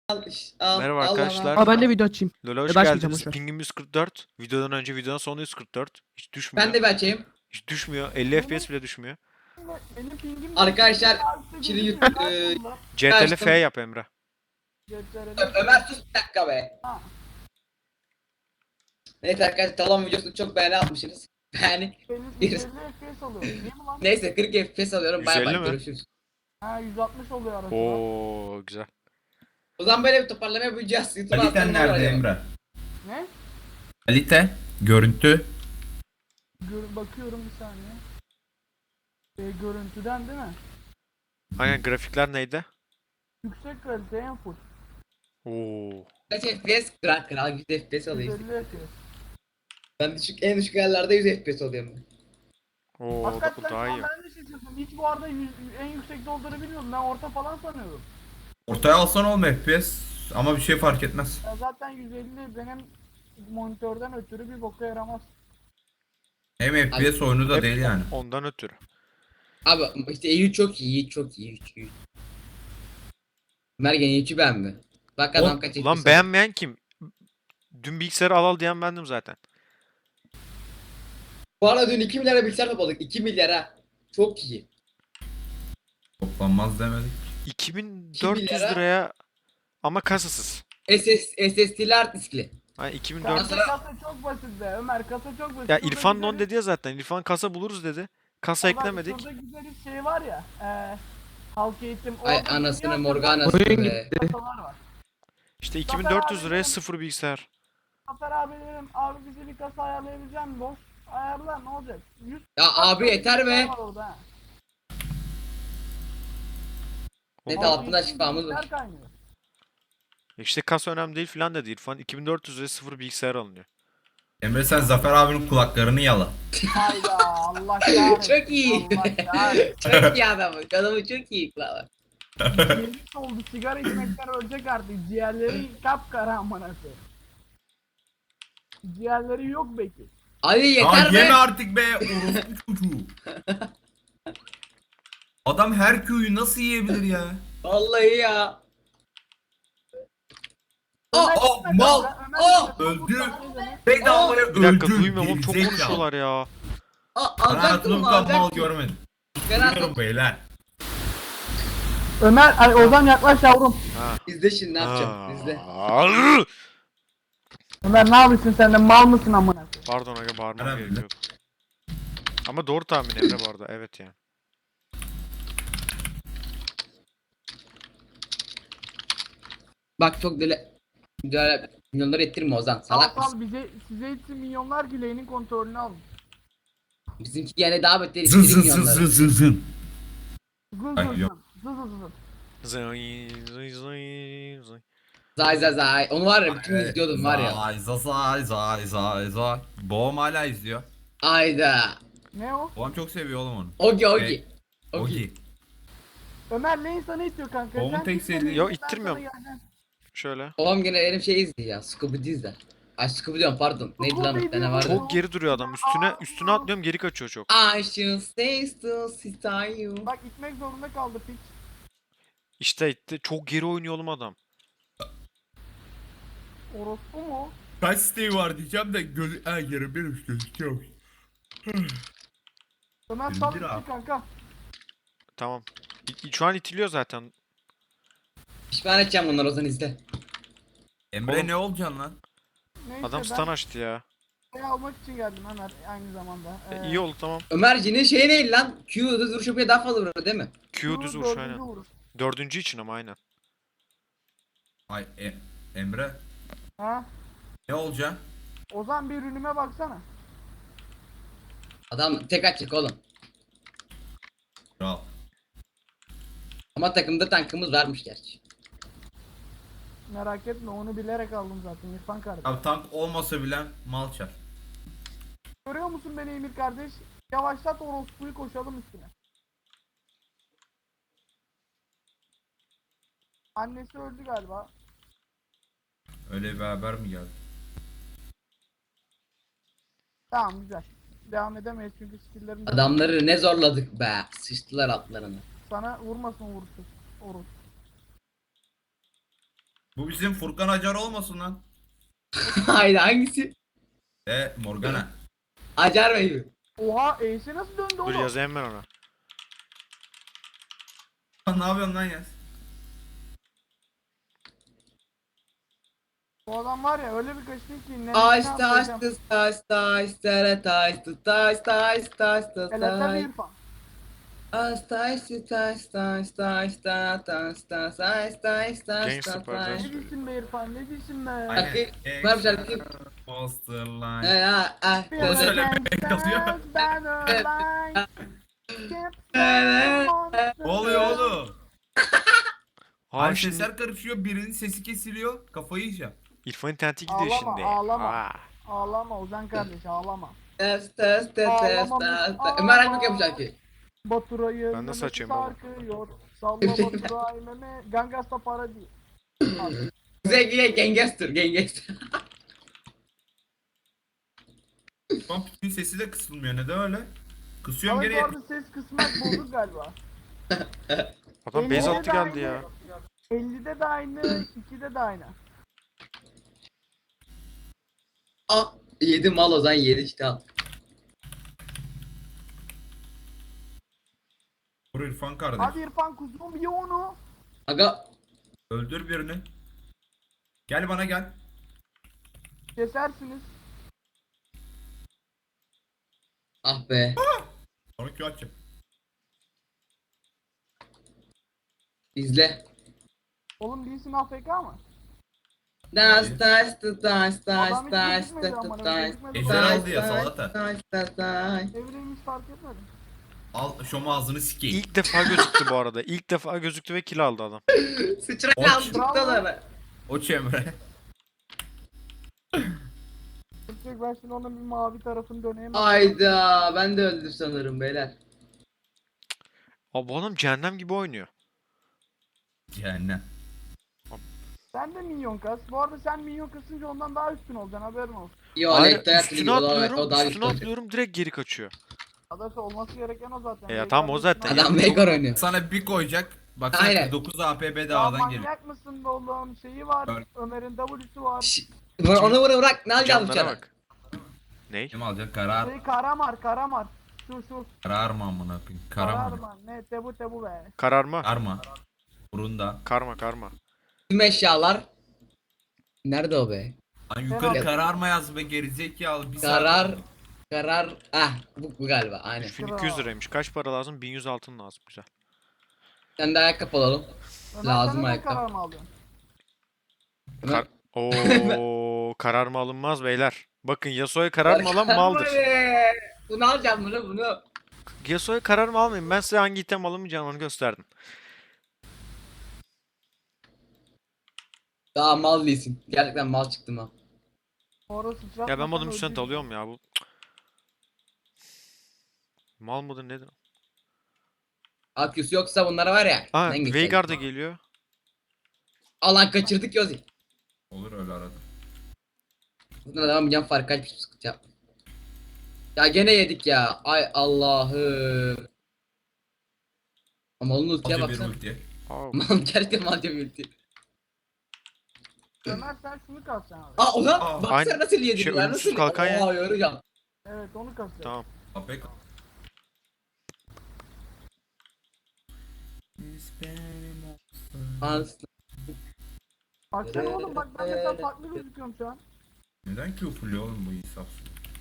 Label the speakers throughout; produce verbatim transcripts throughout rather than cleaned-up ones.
Speaker 1: Al, al,
Speaker 2: Merhaba
Speaker 1: al
Speaker 2: arkadaşlar.
Speaker 1: ama.
Speaker 3: Aa ben de video açayım.
Speaker 2: Lolo hoş
Speaker 3: Ya da açmayacağım,
Speaker 2: geldiniz.
Speaker 3: boş ver.
Speaker 2: Pingim yüz kırk dört. Videodan önce videonun sonu yüz kırk dört. Hiç düşmüyor.
Speaker 1: Ben de bir açayım.
Speaker 2: Hiç düşmüyor. elli F P S bile düşmüyor.
Speaker 4: Benim pingim
Speaker 1: Arkadaşlar,
Speaker 4: Artı
Speaker 1: şimdi
Speaker 4: gözüküyor,
Speaker 1: yut-
Speaker 4: nerede
Speaker 1: eee,
Speaker 4: bunlar?
Speaker 2: C T L
Speaker 1: Açtım.
Speaker 2: F yap Emre.
Speaker 4: Ceplerine-
Speaker 1: Ö- Ömer sus bir dakika be.
Speaker 4: Ha.
Speaker 1: Neyse arkadaşlar, talon videosunu çok beğeni atmışsınız. Yani
Speaker 4: Benim
Speaker 1: Bir-
Speaker 4: yüz elli F P S oluyor. Değil mi lan?
Speaker 1: neyse kırk F P S alıyorum. Bay
Speaker 2: yüz elli
Speaker 1: bay,
Speaker 2: mi?
Speaker 1: görüşürüz.
Speaker 4: Ha yüz altmış oluyor arası.
Speaker 2: Oo güzel.
Speaker 1: O zaman böyle bir toparlama yapacağız. YouTube'a
Speaker 5: Kaliten
Speaker 1: atmam var
Speaker 5: nerede
Speaker 1: ya.
Speaker 5: Emre?
Speaker 4: Ne?
Speaker 5: Kalite, görüntü.
Speaker 4: Gör bakıyorum bir saniye. E, görüntüden değil mi?
Speaker 2: Aynen grafikler neydi?
Speaker 4: Yüksek kalite en full.
Speaker 2: Oo.
Speaker 1: Kaç F P S? Kral kral yüz F P S alıyor.
Speaker 4: yüz elli F P S.
Speaker 1: Ben düşük, en düşük ayarlarda yüz F P S alıyorum ben.
Speaker 2: Oo o da, o
Speaker 4: Hakikaten
Speaker 2: daha
Speaker 4: şu an
Speaker 2: iyi.
Speaker 4: ben de şaşırdım. Hiç bu arada yüz, en yüksekte olduğunu bilmiyordum. Ben orta falan sanıyordum.
Speaker 5: Ortaya alsan olma F P S ama bir şey fark etmez.
Speaker 4: Ya zaten yüz elli benim monitörden ötürü bir boka yaramaz.
Speaker 5: Hem F P S oyunu da
Speaker 2: Hep
Speaker 5: değil yani.
Speaker 2: Ondan ötürü.
Speaker 1: Abi işte iyi çok iyi, iyi çok iyi, iyi. iyi. Mergen iyi beğendi. Bak adam
Speaker 2: O-
Speaker 1: kaç
Speaker 2: Ulan
Speaker 1: F P S
Speaker 2: beğenmeyen kim? Dün bilgisayarı al al diyen bendim zaten.
Speaker 1: Bu arada dün iki milyara bilgisayar topladık. iki milyara. Çok iyi.
Speaker 5: Toplanmaz demedik.
Speaker 2: iki bin dört yüz
Speaker 1: lira.
Speaker 2: liraya ama kasasız.
Speaker 1: S S, S S D'li hard diskli.
Speaker 2: Hani iki bin
Speaker 4: Kasa,
Speaker 2: dört yüz.
Speaker 1: Mesela-
Speaker 4: kasa çok basit be Ömer, kasa çok basit.
Speaker 2: Ya
Speaker 4: Şurada
Speaker 2: İrfan
Speaker 4: güzel
Speaker 2: non dedi ya zaten. İrfan kasa buluruz dedi. Kasa
Speaker 4: Ulan
Speaker 2: eklemedik.
Speaker 4: Şurada güzel bir şey var ya. E, halk eğitim.
Speaker 1: Ay
Speaker 4: orada
Speaker 1: anasını
Speaker 4: dünya
Speaker 1: morganasını
Speaker 3: Oyun
Speaker 1: be.
Speaker 3: gitti.
Speaker 4: kasalar var.
Speaker 2: İşte iki bin dört yüz liraya sıfır bilgisayar.
Speaker 4: Zafer abi dedim abi bize bir kasa ayarlayabilecek misin boş? Ayarla ne olacak? yüz
Speaker 1: Ya abi yeter be.
Speaker 4: var orada ha.
Speaker 1: Net
Speaker 2: Oo.
Speaker 1: altında
Speaker 4: Halk
Speaker 1: şifamız
Speaker 4: eğitim
Speaker 1: var.
Speaker 4: bilgisayar kaynıyor.
Speaker 2: İşte kasa önemli değil filan dedi İrfan. iki bin dört yüz liraya sıfır bilgisayar alınıyor.
Speaker 5: Emre sen Zafer abinin kulaklarını yala.
Speaker 4: Hayda Allah kahretsin.
Speaker 1: Çok iyi.
Speaker 4: Allah kahretsin.
Speaker 1: Çok iyi adamı. Adamı çok iyi. Lan.
Speaker 4: Yemiş oldu sigara içmekten ölecek artık. Ciğerleri kapkara amına koyayım. Ciğerleri yok belki.
Speaker 1: Ali
Speaker 5: Ya
Speaker 1: yeter
Speaker 5: yeme
Speaker 1: be.
Speaker 5: artık be orospu çocuğu. Adam her köyü nasıl yiyebilir ya?
Speaker 1: Vallahi ya.
Speaker 5: Aa,
Speaker 4: Ömer
Speaker 5: aa,
Speaker 4: gitme
Speaker 5: mal.
Speaker 4: kanka, Ömer
Speaker 1: Aa,
Speaker 4: gitme.
Speaker 5: öldü.
Speaker 4: Ömer-
Speaker 5: Bedavaya
Speaker 2: Bir dakika
Speaker 5: öldü.
Speaker 2: duymuyorum oğlum çok
Speaker 5: gerizekalı.
Speaker 2: konuşuyorlar ya.
Speaker 1: Aa,
Speaker 5: Ben
Speaker 1: alacaktım
Speaker 5: hayatımda bu
Speaker 1: mı
Speaker 5: kadar mal
Speaker 1: alacaktım.
Speaker 5: görmedim.
Speaker 1: Ben
Speaker 5: Bilmiyorum
Speaker 1: aldım.
Speaker 5: beyler.
Speaker 4: Ömer, ay Ozan yaklaş yavrum.
Speaker 2: Ha.
Speaker 1: İzle şimdi ne yapacağım. İzle.
Speaker 2: Aa.
Speaker 4: Ömer ne yapıyorsun sen de mal mısın amına koyayım?
Speaker 2: Pardon aga bağırmam
Speaker 5: Önemli.
Speaker 2: gerekiyordu. Ama doğru tahmin Emre bu arada. Evet yani.
Speaker 1: Bak çok deli. Böyle milyonları ettirme Ozan.
Speaker 4: Al
Speaker 1: Salak mısın?
Speaker 4: al bize size için milyonlar güleğinin kontrolünü alın.
Speaker 1: Bizimki yani daha beter
Speaker 5: Zın
Speaker 1: ettirir
Speaker 5: zın zın
Speaker 1: milyonları.
Speaker 5: zın zın zın.
Speaker 4: Zın
Speaker 5: Ay,
Speaker 4: zın
Speaker 5: yok.
Speaker 4: zın zın zın zın.
Speaker 2: Zıy, zıy, zıy, zıy.
Speaker 1: Zay zay zay. Onu var ya bütün gün izliyordum var ya.
Speaker 5: Zay zay zay zay zay. Babam hala izliyor.
Speaker 1: Ayda.
Speaker 4: Ne o?
Speaker 5: Babam çok seviyor oğlum onu.
Speaker 1: Ogi Ogi.
Speaker 5: Hey,
Speaker 1: Ogi.
Speaker 5: Ogi.
Speaker 4: Ömer ne sana itiyor kanka?
Speaker 5: Oğlum
Speaker 4: Sen
Speaker 5: tek
Speaker 4: gitme,
Speaker 5: sevdiği-
Speaker 4: ben
Speaker 2: Yo,
Speaker 4: sana
Speaker 2: ittirmiyorum.
Speaker 4: geleceğim.
Speaker 2: Şöyle.
Speaker 1: Babam gene benim şey izliyor ya. Scooby Doo izler. Ay Scooby diyorum pardon. Neydi lan bir tane vardı.
Speaker 2: Çok geri duruyor adam. Üstüne üstüne atlıyorum geri kaçıyor çok.
Speaker 1: I should stay still, sit on you.
Speaker 4: Bak gitmek zorunda kaldı piç.
Speaker 2: İşte itti. Çok geri oynuyor oğlum adam.
Speaker 4: Orospu mu?
Speaker 5: Kaç siteyi var diyeceğim de göz... Ha yarım benim gözüküyor.
Speaker 4: Ömer sal
Speaker 5: İndir
Speaker 4: içi
Speaker 5: abi.
Speaker 4: kanka.
Speaker 2: Tamam. İ- Şu an itiliyor zaten.
Speaker 1: Pişman edeceğim bunları Ozan izle.
Speaker 5: Emre
Speaker 2: Oğlum.
Speaker 5: ne olacaksın lan?
Speaker 4: Neyse
Speaker 2: Adam
Speaker 4: ben
Speaker 2: stun açtı ya.
Speaker 4: şey almak için geldim Ömer aynı zamanda.
Speaker 2: E, iyi oldu tamam.
Speaker 1: Ömerci'nin şeyi ne lan? Q'da duruş yapıyor daha fazla vurur değil mi?
Speaker 2: Q düz vuruş aynen.
Speaker 4: Vuruş.
Speaker 2: Dördüncü için ama aynen.
Speaker 5: Ay e, Emre
Speaker 4: Ha?
Speaker 5: ne olacaksın?
Speaker 4: Ozan bir ürünüme baksana.
Speaker 1: Adam tek atacak oğlum.
Speaker 5: Kral.
Speaker 1: Ama takımda tankımız varmış gerçi.
Speaker 4: Merak etme onu bilerek aldım zaten İrfan kardeş.
Speaker 5: Abi tank olmasa bile mal çar.
Speaker 4: Görüyor musun beni Emir kardeş? Yavaşlat orospuyu koşalım üstüne. Annesi öldü galiba.
Speaker 5: Öyle bir haber mi geldi?
Speaker 4: Tamam güzel. Devam edemeyiz çünkü skill'lerim de-
Speaker 1: Adamları ne zorladık be. Sıçtılar altlarını.
Speaker 4: Sana vurmasın vuruşsuz. Orospu.
Speaker 5: Bu bizim Furkan Acar olmasın lan.
Speaker 1: Haydi hangisi?
Speaker 5: E Morgana.
Speaker 1: Acar Bey.
Speaker 4: Oha Ace'e nasıl döndü
Speaker 2: Dur
Speaker 4: oğlum?
Speaker 2: yazayım ben ona.
Speaker 5: Ne yapıyorsun lan yaz?
Speaker 4: Bu adam var ya öyle bir kaçtı ki. ne-
Speaker 1: Taş
Speaker 4: ne
Speaker 1: taş
Speaker 4: yapacağım?
Speaker 1: taş taş taş tere taş taş taş taş taş
Speaker 4: Hele tabii
Speaker 1: taş
Speaker 4: İrfan.
Speaker 1: taş taş taş taş taş taş taş taş taş taş taş
Speaker 2: Gangster
Speaker 1: taş
Speaker 2: Paradise.
Speaker 1: taş.
Speaker 4: Ne diyorsun be İrfan ne diyorsun be?
Speaker 5: Aynen.
Speaker 1: Şarkı- var bir şarkı.
Speaker 5: Poster
Speaker 1: Ee,
Speaker 5: line.
Speaker 1: ha, ah,
Speaker 4: Bir
Speaker 1: taş-
Speaker 5: söyle,
Speaker 4: adam
Speaker 5: be, yazıyor.
Speaker 4: stands by the line.
Speaker 5: Ne oluyor oğlum?
Speaker 2: Aa
Speaker 5: Abi
Speaker 2: şimdi
Speaker 5: sesler karışıyor, birinin sesi kesiliyor, kafayı yiyeceğim.
Speaker 2: İrfan interneti gidiyor
Speaker 4: Ağlama,
Speaker 2: şimdi.
Speaker 4: ağlama.
Speaker 2: Aa.
Speaker 4: Ağlama Ozan kardeş ağlama.
Speaker 1: taş taş taş taş
Speaker 4: Ağlamamış,
Speaker 1: taş.
Speaker 4: ağlama.
Speaker 1: Ömer Akbak yapmış şarkıyı.
Speaker 4: Baturay'ı
Speaker 2: Ben nasıl açayım baba?
Speaker 4: sarkıyor. Salla Baturay meme. Gangasta para değil. Abi,
Speaker 1: Kuzey Gangster Gangster.
Speaker 5: Şu an Pikmin sesi de kısılmıyor, neden öyle? Kısıyorum
Speaker 4: Abi
Speaker 5: gene.
Speaker 4: bu arada ses kısmak bozuk galiba.
Speaker 2: Adam base
Speaker 4: ellide
Speaker 2: altı
Speaker 4: de
Speaker 2: geldi
Speaker 4: aynı,
Speaker 2: ya.
Speaker 4: ellide de aynı, ikide de aynı.
Speaker 1: Ah yedi mal o zaman yedi işte al.
Speaker 5: Vur İrfan kardeş.
Speaker 4: Hadi İrfan kuzum ye onu.
Speaker 1: Aga
Speaker 5: Öldür birini. Gel bana gel.
Speaker 4: Kesersiniz.
Speaker 1: ah be.
Speaker 5: Sonra Q açacağım.
Speaker 1: İzle.
Speaker 4: Oğlum değilsin A F K mı?
Speaker 1: Taş taş taş taş
Speaker 4: Adam hiç
Speaker 1: taş
Speaker 4: gözükmedi
Speaker 1: taş
Speaker 4: ama,
Speaker 1: taş
Speaker 4: gözükmedi.
Speaker 5: Ejder
Speaker 1: taş
Speaker 5: aldı ya,
Speaker 1: taş
Speaker 5: salata.
Speaker 1: taş taş taş.
Speaker 4: Evreyi hiç fark etmedim.
Speaker 5: Al şomu ağzını sikeyim.
Speaker 2: İlk defa gözüktü bu arada. İlk defa gözüktü ve kill aldı adam.
Speaker 1: Sıçrak
Speaker 5: Oç.
Speaker 1: aldıktan sonra.
Speaker 5: O Emre.
Speaker 4: Tek ben şimdi onun bir mavi tarafını döneyim.
Speaker 1: Ayda ben de öldüm sanırım beyler.
Speaker 2: Abi bu adam cehennem gibi oynuyor.
Speaker 5: Cehennem.
Speaker 4: Sen de minyon kas. Bu arada sen minyon kasınca ondan daha üstün olacaksın haberin olsun.
Speaker 1: Yo
Speaker 2: Hayır,
Speaker 1: Lekte hayatını
Speaker 2: üstüne
Speaker 1: gibi o daha,
Speaker 2: atlıyorum,
Speaker 1: o daha
Speaker 2: üstüne
Speaker 1: güçlü olacak.
Speaker 2: atlıyorum direkt geri kaçıyor.
Speaker 4: Adası olması gereken o zaten.
Speaker 2: E ya
Speaker 4: Veigar'ın
Speaker 2: tamam, o zaten.
Speaker 4: üstüne-
Speaker 1: Adam Veigar oynuyor.
Speaker 5: Sana bir koyacak. Bak
Speaker 1: Aynen.
Speaker 5: sen dokuz A P B
Speaker 4: Ya
Speaker 5: dağdan geliyor.
Speaker 4: manyak mısın be oğlum? Şeyi var.
Speaker 5: Öyle.
Speaker 4: Ömer'in W'su var.
Speaker 1: Şşş, bunu- Onu bunu bırak ne alacağız
Speaker 2: Canlara
Speaker 1: bıçağı?
Speaker 2: bak. Ney?
Speaker 5: Kim alacak? Karar.
Speaker 4: Şey Karamar, Karamar. Şu şu.
Speaker 5: Karar mı amına koyayım? Karar mı?
Speaker 4: Karamar. Ne tebu tebu be.
Speaker 2: Kararma.
Speaker 5: Karma. Burunda.
Speaker 2: Karma karma.
Speaker 1: Tüm eşyalar. Nerede o be?
Speaker 5: Lan yukarı
Speaker 4: Karar.
Speaker 5: kararma yaz be gerizekalı. Bir
Speaker 1: Karar.
Speaker 5: saat-
Speaker 1: Karar. Ah bu, bu galiba aynen.
Speaker 2: üç bin iki yüz liraymış. Kaç para lazım? bin yüz altın lazım. Güzel.
Speaker 1: Sen de ayakkabı alalım.
Speaker 4: Ömer
Speaker 1: Lazım
Speaker 4: sen neden
Speaker 1: ayakkabı.
Speaker 4: karar mı aldın?
Speaker 1: Ömer-
Speaker 2: Kar Oo, karar mı alınmaz beyler. Bakın Yasuo'ya karar mı alan maldır.
Speaker 1: Be! Bunu alacağım bunu bunu.
Speaker 2: Yasuo'ya karar mı almayın. Ben size hangi item alamayacağını onu gösterdim.
Speaker 1: Daha mal değilsin. Gerçekten mal çıktım ha.
Speaker 4: Orası sıçratmasan
Speaker 2: Ya ben modum
Speaker 4: öldürürüm.
Speaker 2: üstüne alıyorum ya bu. Mal mıdır nedir?
Speaker 1: Akyüs yoksa bunlara var ya.
Speaker 2: Aa,
Speaker 1: sen geçeceksin.
Speaker 2: Veigar da geliyor.
Speaker 1: Alan kaçırdık Yozi.
Speaker 5: Olur öyle arada.
Speaker 1: Bundan adam bir can fark kaç bir sıkıntı yapma. Ya gene yedik ya. Ay Allah'ım. Ama onun ultiye
Speaker 5: Hadi bir
Speaker 1: baksana.
Speaker 5: ulti.
Speaker 2: Aa,
Speaker 1: Mal gerçekten malca bir ulti.
Speaker 4: Ömer sen şunu kalkacaksın abi.
Speaker 1: Aa ona
Speaker 5: Aa,
Speaker 1: baksana
Speaker 2: aynı-
Speaker 1: nasıl yedi
Speaker 2: şey,
Speaker 1: ya
Speaker 2: ölümsüz
Speaker 1: nasıl
Speaker 2: kalkan ya.
Speaker 1: Aa yoracağım.
Speaker 4: Evet onu kasacaksın.
Speaker 2: tamam.
Speaker 5: Apek.
Speaker 1: Ans.
Speaker 4: Baksana oğlum bak ben de sen farklı gözüküyorum şu an.
Speaker 5: Neden Q fulluyor oğlum bu insafsız?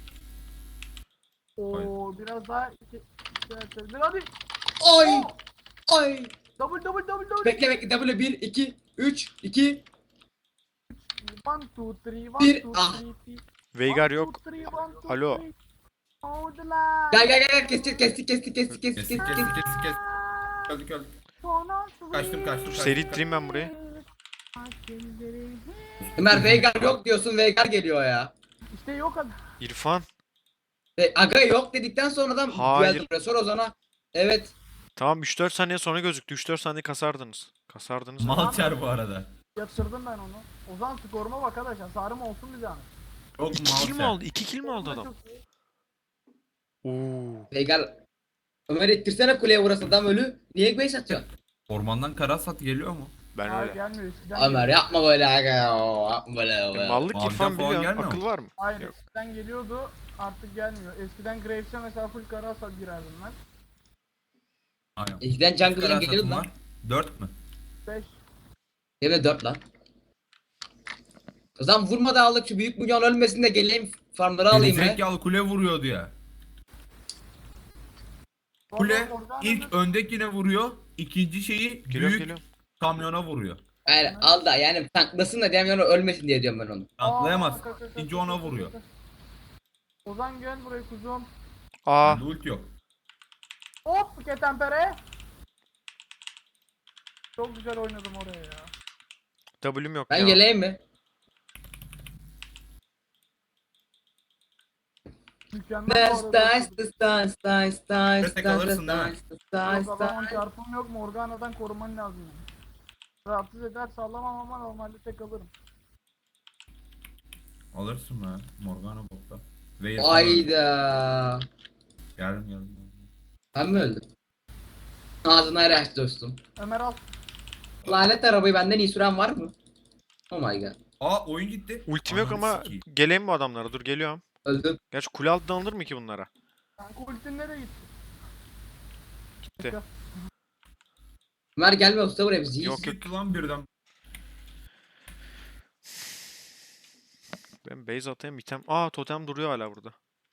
Speaker 4: Oo biraz daha iki, iki, bir hadi.
Speaker 1: Ay. Ay.
Speaker 4: Double double double double.
Speaker 1: Bekle bekle W bir iki üç iki
Speaker 4: One two three one
Speaker 1: Bir,
Speaker 4: two
Speaker 1: ah.
Speaker 4: three three.
Speaker 2: Veigar
Speaker 4: One,
Speaker 2: yok.
Speaker 4: two, three, one, two,
Speaker 2: Alo.
Speaker 4: three. Hold the line.
Speaker 1: Gel gel gel gel kestik kestik kestik kestik kestik
Speaker 5: Kes kes
Speaker 1: kestik
Speaker 5: kes
Speaker 1: kestik.
Speaker 5: kes kes. Öldük öldük. Kaçtım kaçtım kaçtım.
Speaker 2: Seri ittireyim ben burayı.
Speaker 1: Ömer Veigar yok diyorsun Veigar geliyor ya.
Speaker 4: İşte yok adam.
Speaker 2: İrfan.
Speaker 1: Ve Aga yok dedikten sonradan
Speaker 2: Hayır.
Speaker 1: geldi buraya. Sor Ozan'a. Evet.
Speaker 2: Tamam üç dört saniye sonra gözüktü. üç dört saniye kasardınız. Kasardınız. ama.
Speaker 5: Malçer bu arada.
Speaker 4: Yatırdım ben onu. Ozan skoruma bak arkadaş. Hasarım olsun bir zahmet.
Speaker 5: Çok
Speaker 2: İki kill mi
Speaker 5: malçer.
Speaker 2: aldı? iki kill mi aldı adam?
Speaker 4: Çok iyi.
Speaker 2: Oo.
Speaker 1: Veigar. Ömer ittirsene kuleye vurası adam ölü. Niye base atıyorsun?
Speaker 5: Ormandan karasat geliyor mu?
Speaker 2: Ben
Speaker 4: Hayır
Speaker 2: öyle.
Speaker 4: gelmiyor eskiden.
Speaker 1: Ömer
Speaker 4: geliyordu.
Speaker 1: yapma böyle aga ya. Yapma böyle
Speaker 2: E,
Speaker 1: ya.
Speaker 2: mallık
Speaker 5: Maviden
Speaker 2: İrfan
Speaker 5: falan
Speaker 2: biliyor.
Speaker 5: gelmiyor
Speaker 2: Akıl
Speaker 5: mu?
Speaker 2: var mı?
Speaker 4: Hayır
Speaker 2: Yok.
Speaker 4: eskiden geliyordu artık gelmiyor. Eskiden Graves'e mesela full kara hasar girerdim ben.
Speaker 5: Aynen.
Speaker 1: Eskiden
Speaker 5: Kaç
Speaker 1: jungle'dan
Speaker 5: kadar
Speaker 1: geliyordu
Speaker 5: satın
Speaker 1: lan.
Speaker 5: var? dört mü?
Speaker 4: beş.
Speaker 1: Benim de dört lan. O zaman vurma da aldık şu büyük milyon ölmesin de geleyim farmları alayım be.
Speaker 5: Gerizekalı kule vuruyordu ya. Kule ilk öndekine vuruyor. İkinci şeyi
Speaker 2: Geliyorum
Speaker 5: büyük
Speaker 2: geliyorum.
Speaker 5: kamyona vuruyor.
Speaker 1: Yani al da yani tanklasın da diğer yana ölmesin diye diyorum ben onu.
Speaker 5: Atlayamaz. İkinci ona vuruyor.
Speaker 4: Ozan gel buraya kuzum.
Speaker 2: Aa
Speaker 5: Bende ult yok.
Speaker 4: Hop ketempere. Çok güzel oynadım oraya ya.
Speaker 2: W'm yok
Speaker 1: Ben
Speaker 2: ya.
Speaker 1: geleyim mi?
Speaker 4: Mükemmel bu
Speaker 1: Stars,
Speaker 4: arada.
Speaker 1: stars, stars, stars, stars,
Speaker 5: Destek
Speaker 1: stars,
Speaker 5: alırsın değil mi?
Speaker 1: stars, stars,
Speaker 4: Yok adamın
Speaker 1: stars.
Speaker 4: çarpım yok, Morgana'dan koruman lazım yani. Rahatsız eder sallamam ama normalde tek alırım.
Speaker 5: Alırsın be. Morgana botta. Ve
Speaker 1: Ayda.
Speaker 5: Geldim geldim.
Speaker 1: Ben mi öldüm? Ağzına araç dostum.
Speaker 4: Ömer al.
Speaker 1: Lanet arabayı benden iyi süren var mı? Oh my god.
Speaker 5: Aa oyun gitti.
Speaker 2: Ultim yok
Speaker 5: Ananı
Speaker 2: ama
Speaker 5: sikeyim.
Speaker 2: geleyim bu adamlara. Dur geliyorum.
Speaker 1: Öldüm.
Speaker 2: Gerçi kule altından alınır mı ki bunlara?
Speaker 4: Kanka ultin nereye gitti?
Speaker 2: Gitti.
Speaker 1: Ömer gelme usta buraya biz iyiyiz.
Speaker 2: Yok, yok.
Speaker 5: Gitti lan birden.
Speaker 2: Ben base atayım item. Aa totem duruyor hala burada.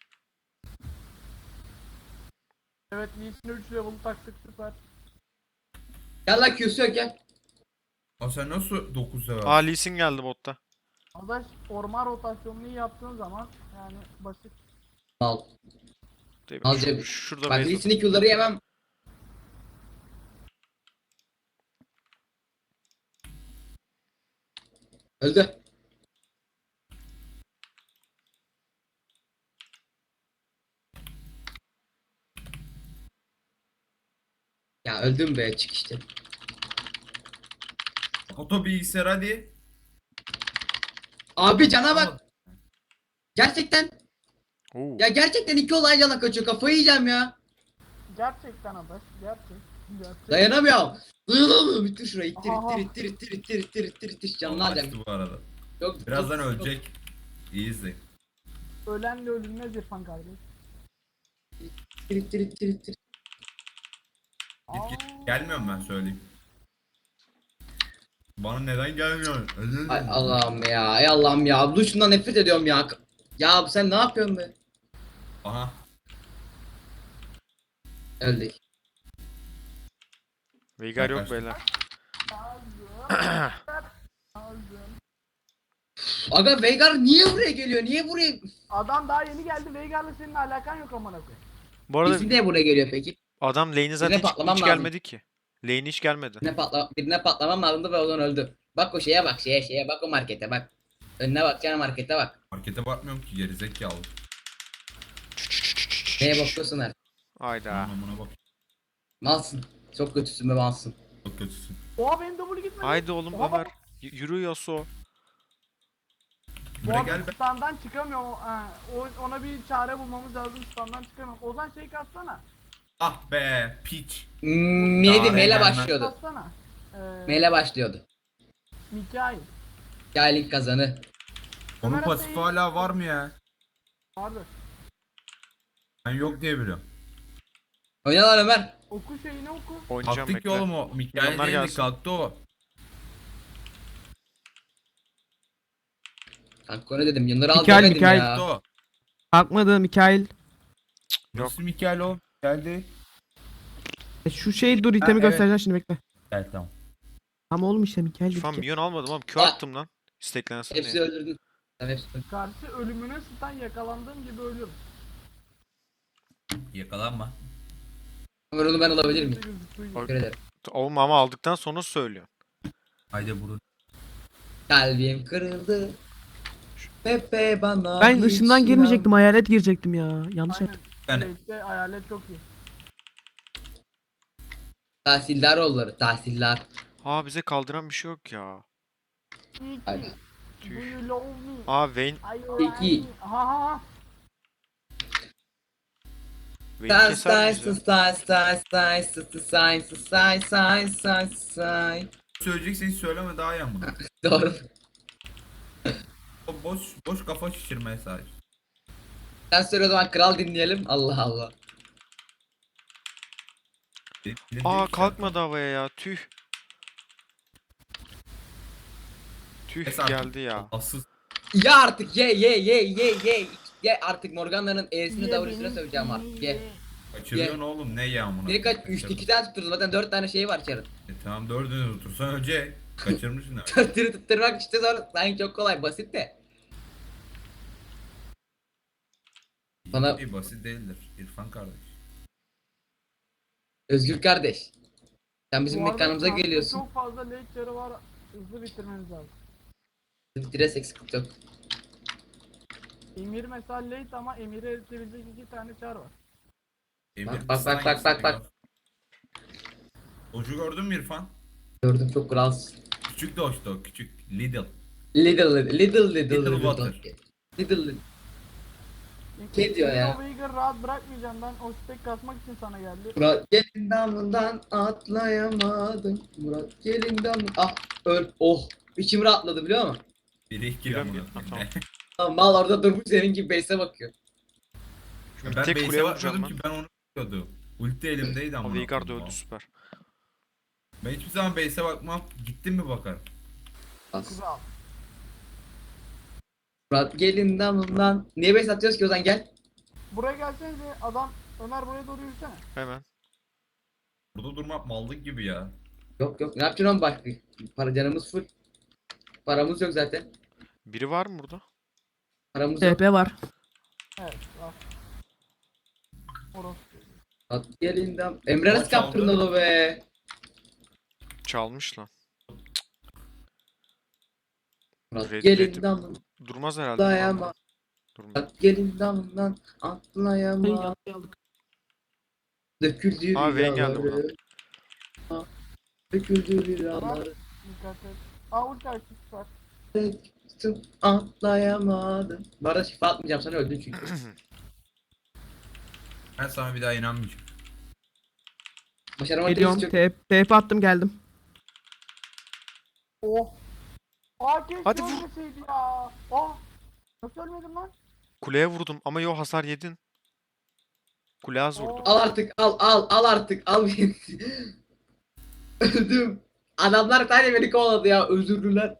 Speaker 4: Evet Lee'sine üç level taktık süper.
Speaker 1: Gel lan Q'su yok gel.
Speaker 5: Aa sen nasıl dokuz sever?
Speaker 2: Aa Lee Sin geldi botta.
Speaker 4: Arkadaş orman rotasyonunu iyi yaptığın zaman yani basit.
Speaker 1: Al.
Speaker 2: Değil mi?
Speaker 1: Al
Speaker 2: Şu-
Speaker 1: cebi.
Speaker 2: şurada
Speaker 1: Bak
Speaker 2: base at-
Speaker 1: Lee'sinin Q'ları yemem. Öldü. Ya öldüm be çık işte.
Speaker 5: Oto bilgisayar hadi.
Speaker 1: Abi cana bak. Gerçekten.
Speaker 2: Oo.
Speaker 1: Ya gerçekten iki olay cana kaçıyor. Kafayı yiyeceğim ya.
Speaker 4: Gerçekten arkadaş gerçek. Gerçek.
Speaker 1: Dayanamıyorum. Dayanamıyorum. Bitir şurayı. İttir
Speaker 4: Aha.
Speaker 1: ittir ittir ittir ittir ittir ittir ittir. Canını
Speaker 5: Açtı
Speaker 1: alacağım.
Speaker 5: bu arada.
Speaker 1: Yok,
Speaker 5: Birazdan
Speaker 1: yok, yok.
Speaker 5: ölecek. İyi izle.
Speaker 4: Ölenle ölünmez İrfan kardeş.
Speaker 1: İttir ittir ittir ittir.
Speaker 5: Git git. Gelmiyorum ben söyleyeyim. Bana neden gelmiyor?
Speaker 1: Ay Allah'ım ya. Ay Allah'ım ya. Bu şundan nefret ediyorum ya. Ya sen ne yapıyorsun be?
Speaker 5: Aha.
Speaker 1: Öldük.
Speaker 2: Veigar yok
Speaker 5: Yaklaştım.
Speaker 2: beyler.
Speaker 4: Aldım.
Speaker 1: Aga Veigar niye buraya geliyor? Niye buraya?
Speaker 4: Adam daha yeni geldi. Veigar'la senin alakan yok amına koyayım.
Speaker 2: Bu arada
Speaker 1: Bizim niye buraya geliyor peki?
Speaker 2: adam lane'e zaten hiç,
Speaker 1: patlamam
Speaker 2: hiç
Speaker 1: lazım.
Speaker 2: gelmedi ki. Lane hiç gelmedi.
Speaker 1: Birine, patla birine patlamam lazımdı ve o zaman öldü. Bak o şeye bak şeye şeye bak o markete bak. Önüne bak canım markete bak.
Speaker 5: Markete bakmıyorum ki gerizekalı.
Speaker 1: Neye bakıyorsun her?
Speaker 2: Hayda.
Speaker 5: Anlamına bak.
Speaker 1: Malsın. Çok kötüsün be malsın.
Speaker 5: Çok kötüsün.
Speaker 4: Oha benim W gitmedi.
Speaker 2: Haydi oğlum
Speaker 4: Oha,
Speaker 2: Ömer. Y- Yürü Yasuo.
Speaker 4: Bu
Speaker 5: Buraya
Speaker 4: adam
Speaker 5: gel be.
Speaker 4: standdan çıkamıyor. Ha, o- ona bir çare bulmamız lazım. Standdan çıkamıyor. Ozan şey katsana.
Speaker 5: Ah be piç.
Speaker 1: Hmm, neydi?
Speaker 5: Daha
Speaker 1: Meyle
Speaker 5: gelmez.
Speaker 1: başlıyordu.
Speaker 4: Katsana. Ee,
Speaker 1: Meyle başlıyordu.
Speaker 4: Mikail.
Speaker 1: Gailin kazanı.
Speaker 5: Onun
Speaker 4: Ömer
Speaker 5: pasifi
Speaker 4: Atay'ı-
Speaker 5: hala var mı ya?
Speaker 4: Vardır.
Speaker 5: Ben yok diye biliyorum.
Speaker 1: Oyna lan Ömer.
Speaker 4: Oku şeyini oku.
Speaker 2: Oynayacağım
Speaker 5: Kalktı ki
Speaker 2: bekle.
Speaker 5: oğlum o. Mikael
Speaker 2: Milyonlar
Speaker 5: değildi
Speaker 2: gelsin.
Speaker 5: kalktı o.
Speaker 1: Kanka ne dedim? Yunları al
Speaker 3: Mikael,
Speaker 1: demedim
Speaker 3: Mikael.
Speaker 1: ya.
Speaker 5: Kalktı o.
Speaker 3: Kalkmadı Mikail.
Speaker 2: Yok.
Speaker 5: Nasıl Mikael o? Geldi.
Speaker 3: E, Şu şey dur itemi
Speaker 5: evet.
Speaker 3: göstereceğim şimdi bekle.
Speaker 5: Gel tamam.
Speaker 3: Ama oğlum işte Mikail
Speaker 2: İrfan
Speaker 3: dedik ya.
Speaker 2: milyon almadım oğlum. Q
Speaker 1: Aa.
Speaker 2: attım lan. Steklensin
Speaker 1: Hepsi
Speaker 2: diye.
Speaker 1: öldürdün. Tamam hepsi öldürdün.
Speaker 4: Karşı ölümüne stun yakalandığım gibi ölüyorum.
Speaker 5: Yakalanma.
Speaker 1: Ömer onu ben alabilir miyim?
Speaker 4: Gözüktüğü gibi.
Speaker 1: Teşekkür ederim.
Speaker 2: Oğlum ama aldıktan sonra söylüyor.
Speaker 5: Haydi vurun.
Speaker 1: Kalbim kırıldı. Pepe bana
Speaker 3: Ben
Speaker 1: hiç
Speaker 3: ışından girmeyecektim,
Speaker 1: inan-
Speaker 3: hayalet girecektim ya. Yanlış
Speaker 4: Aynen.
Speaker 3: yaptım.
Speaker 5: Yani
Speaker 4: Late'de hayalet çok iyi.
Speaker 1: Tahsildar oğulları tahsildar.
Speaker 2: Aa bize kaldıran bir şey yok ya.
Speaker 4: İyi ki.
Speaker 1: Hadi.
Speaker 4: Do you love me?
Speaker 2: Aa Vayne.
Speaker 4: Are you
Speaker 1: Peki.
Speaker 4: right? Ha ha ha.
Speaker 2: Vayne
Speaker 1: Say
Speaker 2: keser
Speaker 1: say
Speaker 2: miyiz ya?
Speaker 1: say say say say say say say say say say.
Speaker 5: söyleyeceksen hiç söyleme daha iyi ama.
Speaker 1: Doğru.
Speaker 5: O boş boş kafa şişirmeye sahip.
Speaker 1: Sen söyle o zaman kral dinleyelim. Allah Allah.
Speaker 5: Elinde
Speaker 2: Aa
Speaker 5: hiç
Speaker 2: kalkmadı havaya ya. Tüh. Tüh
Speaker 5: Neyse artık.
Speaker 2: geldi ya.
Speaker 5: Asıl
Speaker 1: Ya artık ye ye ye ye ye. Ye artık Morgana'nın E'sini
Speaker 4: Ye
Speaker 1: W'sine
Speaker 4: beni,
Speaker 1: söveceğim artık. Ye.
Speaker 5: kaçırıyorsun oğlum ne yağmuna.
Speaker 1: Biri kaç? üç iki tane tutturdum zaten dört tane şey var çarın.
Speaker 5: E, tamam dördünü tutursan önce kaçırmışsın demek.
Speaker 1: Dörtünü tutturmak işte zor. Sanki çok kolay basit de. Bana-
Speaker 5: İyi, basit değildir İrfan kardeş.
Speaker 1: Özgür kardeş. Sen bizim
Speaker 4: Bu arada
Speaker 1: mekanımıza
Speaker 4: transferde
Speaker 1: geliyorsun.
Speaker 4: Çok fazla late yarı var. Hızlı bitirmeniz lazım.
Speaker 1: Bitires eksik yok.
Speaker 4: Emir mesela late ama Emir'i eritebilecek iki tane çar var.
Speaker 5: Emir
Speaker 1: Bak, bak,
Speaker 5: kıstan
Speaker 1: bak, bak, bak, bak.
Speaker 5: Doç'u gördün mü İrfan?
Speaker 1: Gördüm çok kralsın.
Speaker 5: Küçük Doç'tu o küçük. Lidl.
Speaker 1: Little little little little
Speaker 5: Little
Speaker 1: little
Speaker 5: water.
Speaker 1: little little.
Speaker 4: İlk-
Speaker 1: Ne diyor
Speaker 4: Emir
Speaker 1: ya?
Speaker 4: O Veigar rahat bırakmayacağım ben o stack kasmak için sana geldi.
Speaker 1: Murat gelin damından atlayamadım. Murat gelin damından. Ah öl. Oh. İçim rahatladı biliyor musun?
Speaker 5: Biri iki
Speaker 2: Biliyorum,
Speaker 5: amına
Speaker 2: biliyorum.
Speaker 5: koyayım.
Speaker 1: Tamam, mal orada durmuş senin gibi base'e bakıyor.
Speaker 2: Şimdi
Speaker 5: Ben
Speaker 2: tek
Speaker 5: base'e
Speaker 2: kuleye vuracağım
Speaker 5: bakmıyordum
Speaker 2: ben.
Speaker 5: ki ben onu bekliyordum. Ulti elimdeydi ama.
Speaker 2: O Veigar da öldü süper.
Speaker 5: Ben hiçbir zaman base'e bakmam. Gittim mi bakarım.
Speaker 1: Bas.
Speaker 4: Kral.
Speaker 1: Murat gelin damından. Niye base atıyoruz ki o zaman gel.
Speaker 4: Buraya gelsenize adam Ömer buraya doğru yürüsene.
Speaker 2: Hemen.
Speaker 5: Burada durmak mallık gibi ya.
Speaker 1: Yok yok ne yapacaksın oğlum bak. Para canımız full. Paramız yok zaten.
Speaker 2: Biri var mı burada?
Speaker 1: Paramız yok.
Speaker 3: T P var.
Speaker 4: Evet var. Orası.
Speaker 1: Murat gelin dam. Emre nasıl
Speaker 5: Maç aldı.
Speaker 1: kaptırdın onu be?
Speaker 2: Çalmış lan.
Speaker 1: Murat
Speaker 2: Red-
Speaker 1: gelin
Speaker 2: Red-
Speaker 1: damından
Speaker 2: Durmaz herhalde.
Speaker 1: atlayama.
Speaker 2: Durmaz.
Speaker 1: Murat gelin damından atlayama. Döküldü
Speaker 2: Aa, Vayne geldi
Speaker 1: rüyaları. Ah, Döküldü rüyaları.
Speaker 4: Dikkat et. Aa ulti açtık var.
Speaker 1: Çıktım, atlayamadım. Bu arada şifa atmayacağım sana öldün çünkü.
Speaker 5: Ben sana bir daha inanmayacağım.
Speaker 1: Başarama
Speaker 3: Geliyorum.
Speaker 1: testi yok.
Speaker 3: T P T P attım geldim.
Speaker 4: Oh. Aa keşke
Speaker 2: Hadi vur.
Speaker 4: ölmeseydi ya. Oh. Nasıl ölmedim lan?
Speaker 2: Kuleye vurdum ama yo hasar yedin. Kule az vurdu.
Speaker 1: Al artık al al al artık al beni. Öldüm. Adamlar sadece beni kovaladı ya özürlüler.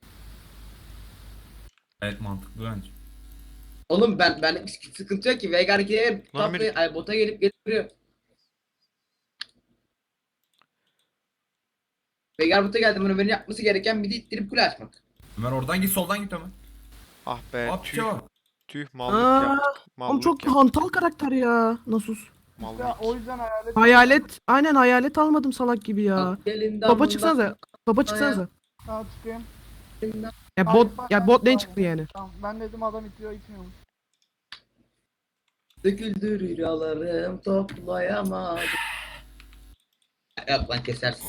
Speaker 5: Evet mantıklı bence.
Speaker 1: Oğlum ben ben sıkıntı yok ki Veigar ikiye
Speaker 2: Lan
Speaker 1: tatlı
Speaker 2: beni-
Speaker 1: ay bota gelip gelip duruyor. Veigar bota geldi bunu benim yapması gereken bir de ittirip kule açmak.
Speaker 5: Ömer oradan git soldan git Ömer.
Speaker 2: Ah be
Speaker 5: Hop
Speaker 2: tüh.
Speaker 5: çabuk.
Speaker 2: Tüh mallık
Speaker 3: Aa,
Speaker 2: ya.
Speaker 3: Oğlum
Speaker 2: Mallık
Speaker 3: çok
Speaker 2: ya.
Speaker 3: hantal karakter ya. Nasus.
Speaker 2: Mallık.
Speaker 4: Ya o yüzden hayalet.
Speaker 3: Hayalet. Aynen hayalet almadım salak gibi ya.
Speaker 1: Gelin
Speaker 3: Topa çıksanıza. Topa çıksanıza.
Speaker 4: Ha çıkayım.
Speaker 3: Ya
Speaker 4: Ay,
Speaker 3: bot
Speaker 4: bak,
Speaker 3: ya
Speaker 4: bak,
Speaker 3: bot lane
Speaker 4: bak.
Speaker 3: çıktı yani.
Speaker 4: Tamam ben dedim adam itiyor itmiyormuş.
Speaker 1: Döküldü rüyalarım toplayamadım. Yap lan kesersin.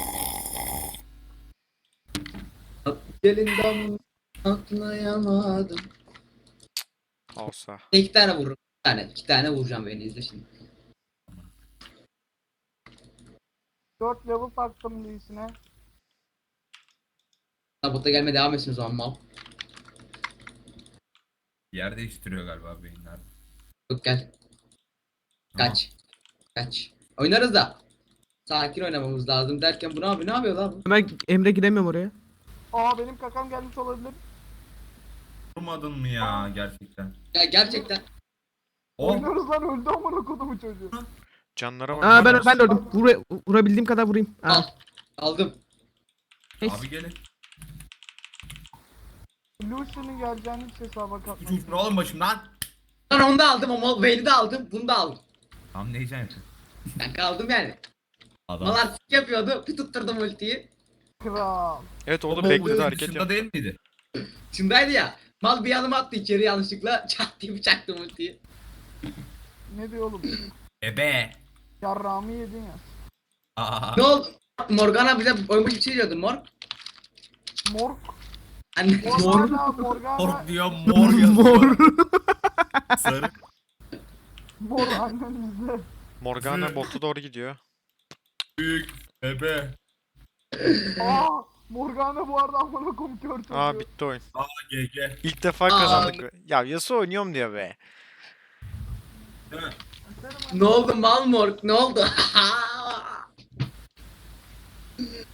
Speaker 1: Gelin dam atlayamadım.
Speaker 2: Olsa.
Speaker 1: İki tane vururum. İki tane. iki tane vuracağım beni izle şimdi.
Speaker 4: dört level taktım Lee'sine.
Speaker 1: Ha, bota gelmeye devam etsin o zaman mal.
Speaker 5: Yer değiştiriyor galiba beyinler.
Speaker 1: Yok gel. Kaç. Kaç. Oynarız da. Sakin oynamamız lazım derken bu ne yapıyor? Ne yapıyor lan bu?
Speaker 3: Ömer Emre giremiyorum oraya.
Speaker 4: Aa benim kakam gelmiş olabilir.
Speaker 5: Vurmadın mı ya gerçekten?
Speaker 1: Ya gerçekten.
Speaker 5: Oh
Speaker 4: Oynuyoruz lan öldü amına kodumu çocuğu.
Speaker 2: Canlara bak.
Speaker 3: Aa ben
Speaker 2: Canlar-
Speaker 3: ben de öldüm. Vura, vurabildiğim kadar vurayım.
Speaker 1: Al.
Speaker 3: Aa.
Speaker 1: Aldım.
Speaker 3: Neyse.
Speaker 5: abi gelin.
Speaker 4: Lucian'ın geleceğini hiç hesaba
Speaker 5: Üç
Speaker 4: katmadım.
Speaker 5: uçun oğlum başımdan.
Speaker 1: Lan onu da aldım ama Vayne'i de aldım. Bunu da aldım.
Speaker 5: Tam ne diyeceksin?
Speaker 1: Ben kaldım yani.
Speaker 5: Adam.
Speaker 1: Malar sik yapıyordu. Bir tutturdum ultiyi.
Speaker 4: Kral.
Speaker 2: Evet
Speaker 5: O
Speaker 2: orada
Speaker 5: bomba
Speaker 2: bekledi hareket
Speaker 5: dışında
Speaker 2: yaptı.
Speaker 5: değil miydi?
Speaker 1: Şimdiydi ya. Mal bir yanıma attı içeri yanlışlıkla. Çat diye bıçaktım ultiyi.
Speaker 4: Ne diyor oğlum?
Speaker 5: Ebe.
Speaker 4: Yarrağımı yedin ya.
Speaker 5: Aa.
Speaker 1: Ne oldu? Morgana bize oymuş bir şey diyordu Morg.
Speaker 4: Morg.
Speaker 1: Anne.
Speaker 4: Morgana, Morgana.
Speaker 5: Mor diyor mor yazıyor.
Speaker 3: Mor.
Speaker 5: Sarı.
Speaker 4: Mor annemizde.
Speaker 2: Morgana botu doğru gidiyor.
Speaker 5: Büyük. Ebe.
Speaker 4: Aa, Morgana bu arada amına koyayım kör çocuğu.
Speaker 2: Aa bitti oyun.
Speaker 5: Aa G G.
Speaker 2: İlk defa kazandık. be. Ya Yasuo oynuyorum diye be.
Speaker 5: Değil mi?
Speaker 1: Ne oldu Malmorg? Ne oldu?